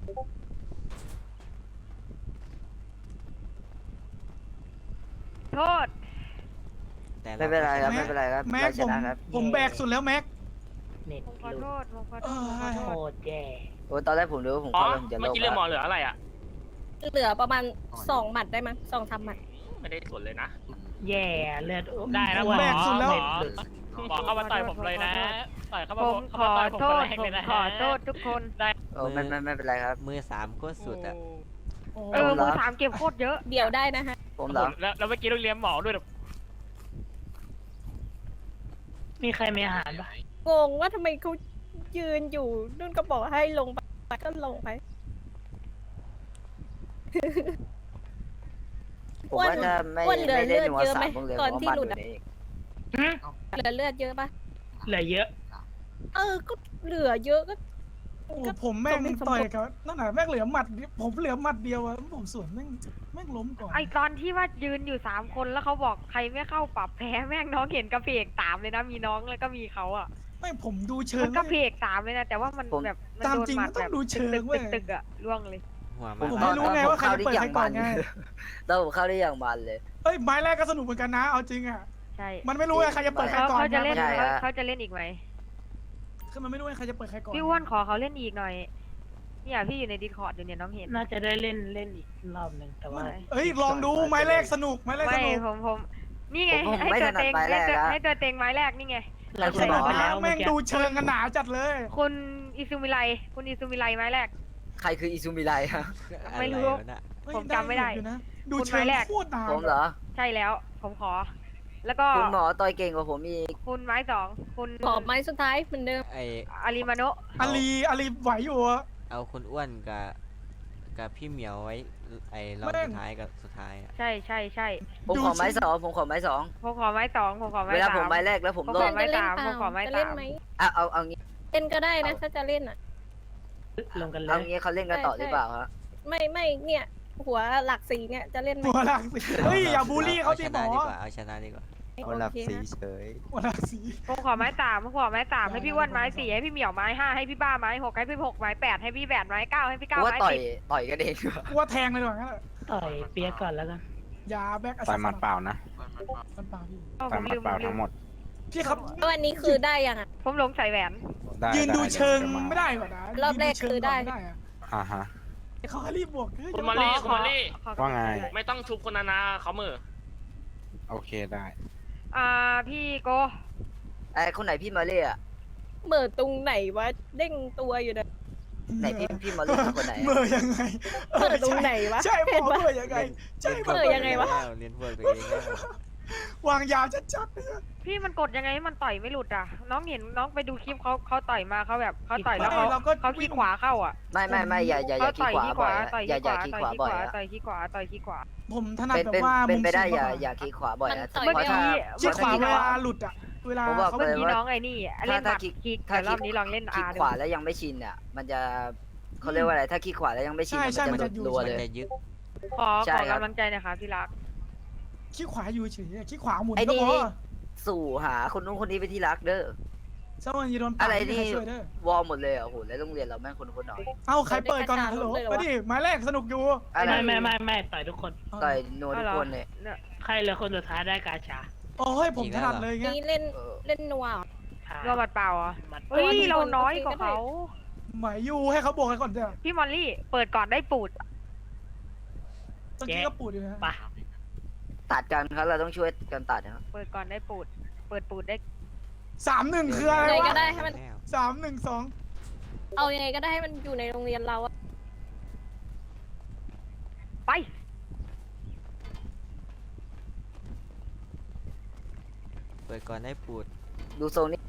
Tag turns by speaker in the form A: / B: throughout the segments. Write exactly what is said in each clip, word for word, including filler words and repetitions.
A: โทษ
B: แต่
C: ไม่เป็นไรครับไม่เป็นไรครับ
D: แม็
C: เรา
D: ก
C: ช
D: ผม
C: นะครับ
D: ผมแบกสุดแล้วแม็ก
E: เน็ต
A: ผมขอ
E: หลุ
A: โท
E: ด
A: ษผมขอโทษผมขอ
E: โค
A: โทษ
E: ตรแย่
C: โอ้ตอนแรกผมรู้ว่าผม
F: อ๋อ
C: เข้าแล้วผมจะโล
F: เมื่อก กี้เรือหมอเหลืออะไรอ่ะ
G: เหลือประมาณสองหมัดได้มั้งสองสามหมัด
F: ไม่ได้สนเลยนะ
E: แย่เลือด
F: ได้แล้ว
D: ผมแบกสุดแล้ว
F: หมอหมอเข้ามาต่อยผมเลยนะ ต่อยเข้ามา
A: ผมข
F: เข้า
A: อ
F: มาต่อยผม
A: โท
F: คน
A: ษ
F: แรก
A: ผ
F: เลย
A: ม
F: นะ
A: ขอโทษทุกคน
F: ได้
C: โอ้ไม่ไม่ไม่เป็นไรครับ
B: มือสามโคตรสุดอะ
A: เออมือสามเก็บโคตรเยอะ
G: เดี๋ยวได้นะฮะ
C: ผมเหรอ
F: แล้วแล้วเมื่อกี้ต้องเลี้ยงหมอด้วย
E: มีใครมีอาหารปะ
G: งงว่าทำไมเขายืนอยู่นุ่นก็บอกให้ลงไปก็ลงไป
C: ผมว่าจะไม่
G: อ้วนเหลือ
C: ไม่ได้
G: เลือด
C: นัว
G: เยอะ
C: สา
G: ไหม
C: มวงเหลือ
G: ตอน
C: เพราะ
G: ที่
C: มัน
G: หลุ
C: อ
G: ด
C: ยู่
G: อะ
C: นี่
G: เหลือเลือดเยอะปะ
E: เหลือเยอะ
G: เออก็เหลือเยอะก็
D: โอ้ผมแม่งต่อยกับนั่นน่ะแม่งเหลือหมัดเดียวผมเหลือหมัดเดียวอะผมสวนแม่งแม่งล้มก่อน
A: ไอตอนที่ว่ายืนอยู่สามคนแล้วเขาบอกใครไม่เข้าปรับแพ้แม่งน้องเห็นกระเพกตามเลยนะมีน้องแล้วก็มีเขาอ่ะ
D: ไม่ผมดูเชิ
A: มั
D: ง
A: นกระเพกตามเลยนะแต่ว่ามันแบบมัน
D: ตาม
A: โดน
D: จริง
A: หมัด
D: มันต้
A: แบ
D: อง
A: บ
D: ดูเชิง
A: ตึก
D: เว้ย
A: ๆตึกๆอ่ะล่วงเลย
B: หัว
D: ผ
B: มาม
D: ไม่รู้ไงว่าใครจะเปิดใครก่อนไง
C: ตอนผมเข้าได้อย่างมันเลย
D: เอ้ยไม้แรกก็สนุกเหมือนกันนะเอาจริงอะ
A: ใช่
D: มันไม่รู้ไงใครจะเปิดใคร
A: เขา
D: ก่อน
A: เขาจะเล่น
C: ใช่
A: เขา
C: ฮะ
A: เขาจะเล่นอีกไหม
D: คือมันไม่รู้ไงใครจะเปิดใครก่อน
A: พี่อ้วนขอเขาเล่นอีกหน่อยเนี่ยพี่อยู่ในดิสคอร์ดอยู่เนี่ยน้องเห็น
E: น่าจะได้เล่นเล่นอีกรอบหนึ่งแต่ว่า
D: เอ้ยลองดูไม้แรกสนุกไม้แรกส
A: ไม่
D: นุก
A: ผมผมนี่ไง
C: ผมผม
A: ให้
C: ไม่
A: ตัว
C: ถนัด
A: เต็ง
C: ไม้แร
A: ให้
C: ก
A: ตัว
C: นะ
A: ให้ตัวเต็งไม้แรกนี่ไง
E: เรา
D: ส
E: จะ
D: นุก
E: ไป
D: นะ
E: แล้ว
D: แม่
E: เมื่อง กี้
D: ดูเชิงกันหนาจัดเลย
A: คุณอิซูมิไลคุณอิซูมิไลไม้แรก
C: ใครคืออิซูมิไลฮะ
A: ไม่รู้
B: อะวะน่ะ
D: เฮ้ย
A: ผมจำไม่ได้
D: อยู่นะดู
A: คุณ
D: เชิง
A: ไม้แรก
D: โคตรนาน
C: ผมเหรอ
A: ใช่แล้วผมขอ แล้วก็
C: คุณหมอต่อยเก่งกว่าผมอีก
A: คุณไม้สองคุณ
G: ขอไม้สุดท้ายเหมือนเดิม
B: ไอ
A: อาริมาโนะ
D: อาลีอาลีไหวอยู่อะ
B: เอาคุณอ้วนกับกับพี่เหมียวไว้ไอรอบ
D: แม่ง
B: สุดท้ายกับสุดท้ายอะ
A: ใช่ใช่ใช่
C: ผมขอไม้สองผมขอไม้สอง
A: ผมขอไม้สองผมขอไม้
C: เวลา
A: สา
C: ผม
A: ม
C: ไม้แรกแล้วผม
A: ผม
C: โล
A: ข
C: ก
A: อไม้
G: จะเล่น
A: สาม
G: เปล่า
A: ผมขอไม้
G: จะเล่น
A: สาม
G: ไหม
C: เอาเอาเอางี้
G: เล่นก็ได้นะถ้าจะเล่นอ่ะ
E: ลงกันเล
C: เอา
E: ย
C: งี้เขาเล่นกันต่อหรือเปล่าฮะ
G: ไม่ไม่เนี่ย หัวหลักสีเนี่ยจะเล่นไหม
D: หัวหลักสีเฮ้ยอย่าบูลลี่เขา
B: ช
D: ดิหม
B: นะ
D: อ
B: ดีกว่าเอาชนะดีกว่า
G: โอเคนะ
D: หัวหลักสี
A: ผมขอไม้สามผมขอไม้สามให้พี่อ้วนไม้สี่ให้พี่เหมียวไม้ห้าให้พี่บ้าไม้หกให้พี่หกไม้แปดให้พี่แปดไม้เก้าให้พี่
C: กู
A: เก้า
C: ว่า
A: ไม้
C: ต่อย
A: สิบ
C: ต่อยกันเองดีกว่า
D: กูว่าแทงเลยดีกว่างั้นแหละ
E: ต่อยเปียกก่อนแล้วกัน
D: ยาแบก
H: ต่อยหมัดเปล่านะ
D: มันเปล่าพี่
A: อ้าวผ
H: ต่อย
A: ม
H: หมั
A: ลื
H: ด
A: ม
H: เปล่า
A: ลื
H: ทั้
A: ม
H: งหมด
D: พี่ครับ
G: วันนี้คือได้ยังอ่ะ
A: ผมหลงใส่แหวน
H: ได้
D: ยืนดู
H: ได้
D: เชิง
H: ดี๋ยวจะา
D: ไม่ได้ก่อนนะ
G: รอบแรกคือได้
D: ยืนดูเชิงก่นม่อะ
H: อ่าฮะ
D: เขาให้รีบบวกเฮ้ย
F: คุณมอลลี่คุณมอลลี่
A: ขอ
H: ว่าไง
F: ไม่ต้องชุบคนนานาเขามือ
H: โอเคได้
A: อ่าพี่โก
C: ไอ้คนไหนพี่มาเล่อะ
G: เหมือตรงไหนวะเด้งตัวอยู่นะ
C: ไหนพี่พี่มาเล่คือคนไหน
D: เมื่อยังไง
G: เหมือตรงไหนวะ
D: ใช่บ
G: เห็
D: อน ก
G: ปะ
D: เมื่อยังไงใช่
B: เล่น
D: บอก
G: เออยังไงวะ
B: เล่นพวกตัวเองแล้ว
D: วางยาชัดๆเลย
A: พี่มันกดยังไงให้มันต่อยไม่หลุดอ่ะ น้องเห็นน้องไปดูคลิปเขาเขาต่อยมาเขาแบบเขาต่อยแล้วเขา
D: เราก็
A: เขาขี้ขวาเข้าอ่ะ
C: ไม่ไม่ไม่อย่าอย่าอย่า
A: เขา
C: ขี้
A: ต่อย
C: ขวา
A: ขี้ข
C: บ่อ
A: วาย
C: อะ
A: ต่อย
C: อย่า
A: ขี้
C: อย่า
A: ขวา
C: ขี้ขวาบ่อย
A: ต่อยขี้ขวา
C: อะ
A: ต่อยขี้ขวาต่อยขี้ขวา
D: ผมถนัด
C: เป็น
D: แบบ
C: เป็น
D: ว่า
C: เป็นไปได้
D: มุม
C: อย่า
D: สูง
C: อย่าขี้ขวาบ่อย
G: มัน
C: นะ
G: ต่อย
C: เพราะ
G: ไม่
C: ถ้า
G: ดี
D: ชี้ขวา
C: ถ้
D: เวลาหลุดอ่ะเวลา
C: ผมบอก
D: เขา
A: เมื่อ
C: เลย
A: กี้
C: ว่า
A: น้องไอ้นี่เล่นห
C: ถ้า
A: มัด
C: คิก
A: คิก
C: ถ้า
A: แต่รอบ
C: คิก
A: นี้ลองเล่น
C: ขี้
A: อาร์
C: ขวาแล้วยังไม่ชินอ่ะมันจะเขาเรียกว่าอะไรถ้าขี้ขวาแล้วยังไม่ชิน
D: ใช่
C: มัน
D: ใช่
C: จะ
D: มัน
C: หลุ
D: จะ
C: ด
D: อยู่
C: รัว
B: มัน
C: เลย
B: จะยึด
A: ขอ
C: ใช่
A: ขอ
C: ครับ
A: กำลังใจหนะคะที่รัก
D: ขี้ขวาอยู่เฉยๆขี้ขวาหมุน
C: ไอ้
D: ก็
C: นี่
D: พอ
C: นี่สู่หาคนนู้นคนนี้ไปที่รักเด้อ
D: สักวันยีโดนปา
C: อะไร
D: ม่มี
C: นี่
D: ใคช่วยเด้อ
C: วอลหมดเลยเหรอ่ะโหแล้วโรงเรียนเราแม่งคนคนหน่อย
D: เอ้าใครเปิดก่อนฮัลโหลไปดิหมายแรกสนุกอยู่
C: อะไร
E: ไม่ไม่ไม่ไม่ต่อยทุกคน
C: ต่อยนัวทุกคนเลย
A: เนี่ย
E: ใครเหลือคนสุดท้ายได้กาชา
D: โอ้ยผมถนัดเลยไง
G: นี่เล่น
C: เออ
G: เล่นนัวเหรอ
A: รอบบัดเปล่าอ่ะ
E: มัน
A: เฮ้ย
G: ทุกคน
A: เราน้อย
G: โอเค
A: กว่า
G: ก็ได้
A: เขา
D: หมายอยู่ให้เขาบวกกันก่อนเถอะ
A: พี่มอลลี่เปิดก่อนได้ปูด
D: ตะกี้ก็ปูดอยู่นะ
E: ปะ
C: ตัดกันครับเราต้องช่วยกันตัดนะครับ
A: เปิดก่อนได้ปูด เปิดปูดได้
D: สามหนึ่งคืออะไร
G: ยังไง
D: วะ
G: ก็ได้ให้มัน
B: แล้ว
D: สามหนึ่งสอง
G: เอายังไงก็ได้ให้มันอยู่ในโรงเรียนเราอะ
A: ไป
B: เปิดก่อนได้ปูด
C: ดูทรงนี้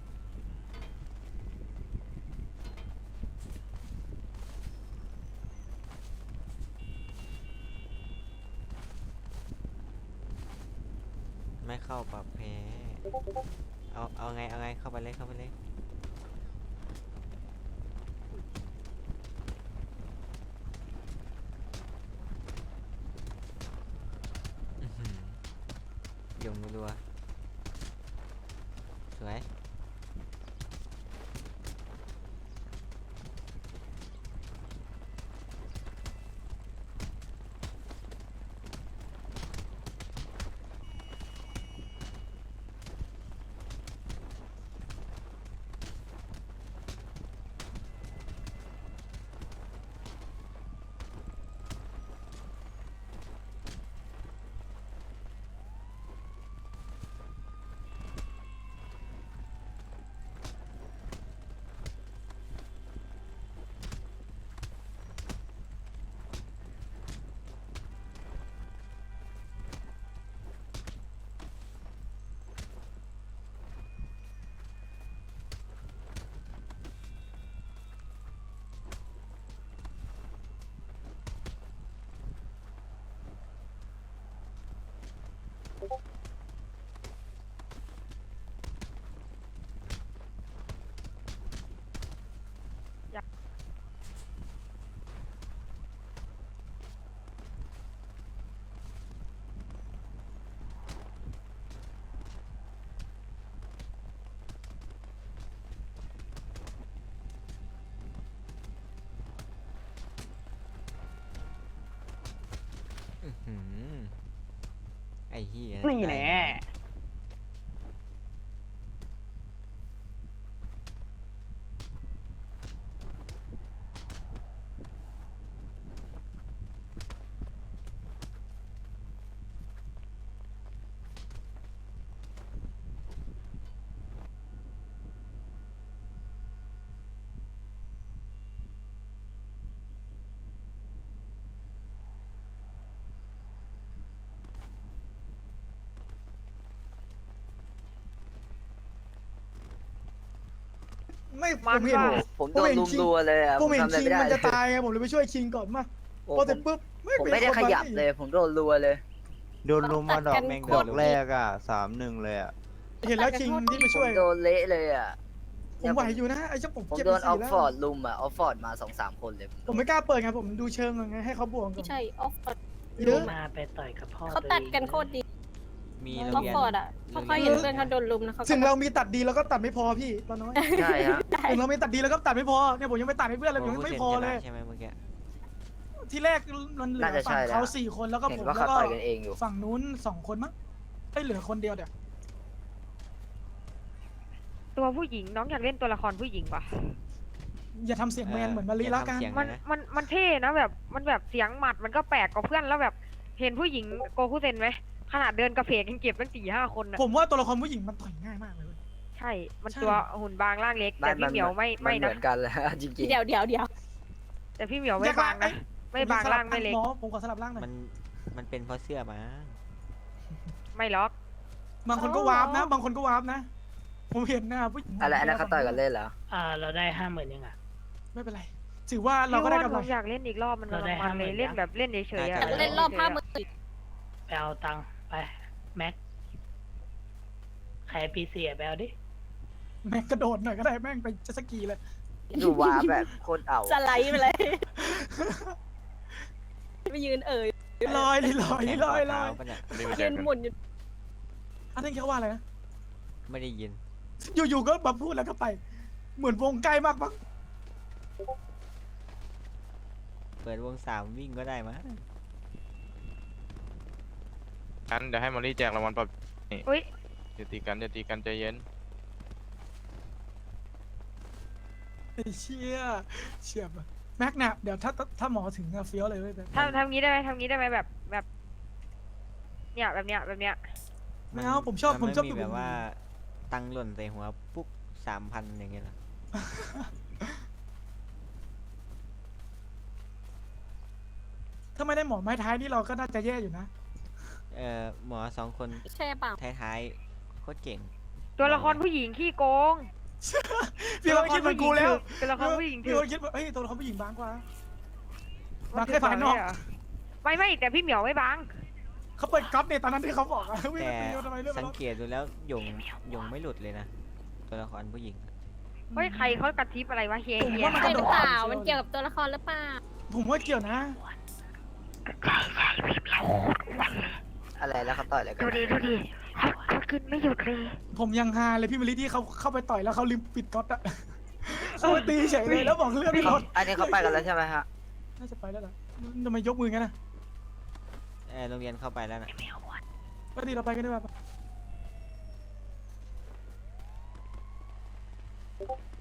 B: ไม่เข้าปรับแพ้เอาเอาไงเอาไงเข้าไปเลยเข้าไปเลยอื้อหือยงรัวสวยอ้เหี้ย
E: นี่แน่
D: ไม่ผ
A: มัน
D: มเห็น
A: ว่า
C: ผมโดนลุมรัวเลยอ่ะ
D: ผมเห็น
C: ทำอะไร
D: คิง
C: ไม่ได้
D: มันจะ
C: เลย
D: ตายไงผมเลยไปช่วยคิงก่อนมา
C: โอ้
D: พอ
C: ผ
D: เสร็จ
C: ม
D: ปุ๊บ
C: ผมไม่ได้ขยับเลย ผมโดนรัวเลย
I: โดนลุมมาดอก
G: ตัดกัน
B: แม่ง
G: โค
B: โด
G: ต
B: น
G: ร
B: ลุม
I: แรกอ่ะสามหนึ่งเลยอ่ะ
D: เห็นแล้วคิงที่ไป
C: ผ
D: ช่ว
C: ม
D: ย
C: โดนเละเลยอ่ะ
D: ผมไหวอยู่นะไอ้เจ้าผม
C: ผม
D: เจ็บ
C: โด
D: ไป
C: นออ
D: สี่
C: ฟ
D: แล้ว
C: ฟอร์ดลุมอ่ะออฟฟอร์ดมาสองสามคนเลย
D: ผมไม่กล้าเปิดไงผมดูเชิงก่อนไงให้เขาบวกก่อ
G: ไม่
D: น
G: ใช่ออฟฟอร์ด
D: เยอะ
E: มาไปต่อยกับพ่อ
G: เขาตัดกันโคตรดี
B: มี
G: อ
B: โร
G: อง ฟ
B: เรียน
G: ฟอร์ดอ่ะพอเขาเห็นเพื่อนเขาโดนลุมนะเขาก็
D: ถึงเรามีตัดดีแล้วก็ตัดไม่พอพี่ตอนน้อย
C: ใช่ฮะ
D: ถึงเรามีตัดดีแล้วก็ตัดไม่พอเนี่ยผมยังไปตัดให้เพื่อนเลยผมยังไม่พอเลย
B: ใช่ไหมเมื่อกี้
D: ที่แรกมันเหลือ
C: น่าจะ
D: ฝั่
C: ใช่
D: ง
C: แล้ว
D: เขาสี่คนแล้วก็
C: เห็น
D: ผม
C: ว่า
D: แล้
C: เขา
D: วก็
C: ต่อยกันเองอยู่
D: ฝั่งนู้นสองคนมั้งไม่เหลือคนเดียวเดี๋ยว
A: ตัวผู้หญิงน้องอยากเล่นตัวละครผู้หญิงปะ
D: อย่าทำเสียงแมนเหมือนมารีละกัน
A: มันมันมันเท่นะแบบมันแบบเสียงหมัดมันก็แปลกกว่าเพื่อนแล้วแบบเห็นผู้หญิงโกคุเซนไหมขนาดเดินกระเพกยังเก็บตั้งสี่ห้าคนนะ
D: ผมว่าตัวละครผู้หญิงมันต่อยง่ายมากเลยเว้ย
A: ใช่ มัน
D: ใช่
A: ตัวหุ่นบางร่างเล็ก แต่พี่เหมียวไม่
C: น
A: ไม่
C: เห
A: นะ
C: มือนกันเลย จริง
G: เดี๋ยวเดี๋ยวเดี๋ยว
A: แต่พี่เหมียวไม่บางนะ ไม่บางร่างไม่เล็ก
D: หมอผมขอสลับร่างหน่อย
B: มันมันเป็นเพราะเสื้อมั้ง
A: ไม่ล็อก
D: บางคนก็วาร์ปนะ บางคนก็วาร์ปนะ ผมเห็นนะผู้หญิง
C: ๆอะไรอันนั้นเขาต่อยกันเล่นเหรอ
E: อ่า เราได้ห้าหมื่นยังอ่ะ
D: ไม่เป็นไร ถือว่าเราก็ได้กำ
A: ผ
D: ไร
A: มอยากเล่นอีกรอบมัน
E: เราได้
A: มันเลย
E: ห้าหมื่น
A: เล่นแบบเล่นเฉยๆอะ
G: เล่นรอบห้าหมื่น
E: ไปเอาตังค์ไป แม็ก ใครปีเสียไปเอาดิ
D: แม่งกระโดดหน่อยก็ได้แม่งไปเจ็ตสกีเลย
C: ดูว้าแบบโคตรเอา
G: สไลด์ไปเลยไปยืนเอ่ย
D: ลอยเลยลอยลอยลอย
B: ปะเนี่ย
G: ยืนหมุนอยู่
D: อันนี้เขาว่าอะไรนะ
B: ไม่ได้ยิน
D: อยู่ๆก็มาพูดแล้วก็ไป เหมือนวงใกล้มากมั้ง
B: เปิดวงสามวิ่งก็ได้มั้ง
H: งั้นเดี๋ยวให้มอลลี่แจกรางวัลปรับ
A: อุ้ย
H: อย่าตีกันอย่าตีกันใจเย็น
D: ไอ้เชี่ยเฉียบอะแม็กเนี่ยเดี๋ยวถ้าถ้าหมอถึงอะเฟี้ยวเลยเว้ยแต่
A: ทำทำงี้ได้ไหมทำงี้ได้ไหมแบบแบบ เนี่ยแบบเนี้ยแบบเนี้ย
D: ไม่เอาผมชอบ
B: น
D: ผมชอบ
B: ไ
D: ดู
B: แบบว่า ตังค์หล่นใส่หัวปุ๊บสามพันอย่างเงี้ยเหรอ
D: ถ้าไม่ได้หมอไม้ท้ายนี่เราก็น่าจะแย่อยู่นะ
B: เอ่อหมอสองคน
G: ใช่เปล่า
B: ท้ายๆโคตรเก่ง
A: ตัวละครผู้หญิงขี้โกง
D: พี่ก็คิดเหมือนกูแล้ว
A: ตัวละครผู้หญิง
D: พี่
A: ถือ
D: ก็คิดว่าเฮ้ยตัวละครผู้หญิงบางกว่า
A: มั
D: บางแค่ภายนอก
A: ไม่ไม่แต่พี่เหมียวไม่บาง
D: เขาเปิดก๊อปเนี่ยตอนนั้นที่เขาบอกอะวิ่ง
B: แต่
D: ไปโยนทำไมเรื่อง
B: สั
D: มัน
B: งเกตดูแล้วหยงหยงไม่หลุดเลยนะ ตัวละครผู้หญิง
A: เฮ้ยใครเขากระทิบอะไรวะเฮีย
D: ผม
A: เฮีย
D: ว่ามัน
G: ใช่
D: กระ
G: ห
D: โด
G: รือ
D: ด
G: เปล่า มันเกี่ยวกับตัวละครหรือเปล่า
D: ผมว่าเกี่ยวนะ
C: อะไรแล้วเขาต่อยอะไรกัน
A: ดูดิดูดิเขาเขากินไม่หยุดเลย
D: ผมยังฮาเลยพี่มะลิที่เขาเข้าไปต่อยแล้วเขาลืมปิดก๊อตอะเขาไปตีเฉยเลยแล้วบอกเรื่องไม่ลด
C: อันนี้เขาไปกันแล้วใช่ไหมฮะ
D: น่าจะไปแล้วล่ะทำไมยกมืองั้นนะ
B: เออโรงเรียนเข้าไปแล้วนะ
D: ก็ดีเราไปกันด้วยป่ะ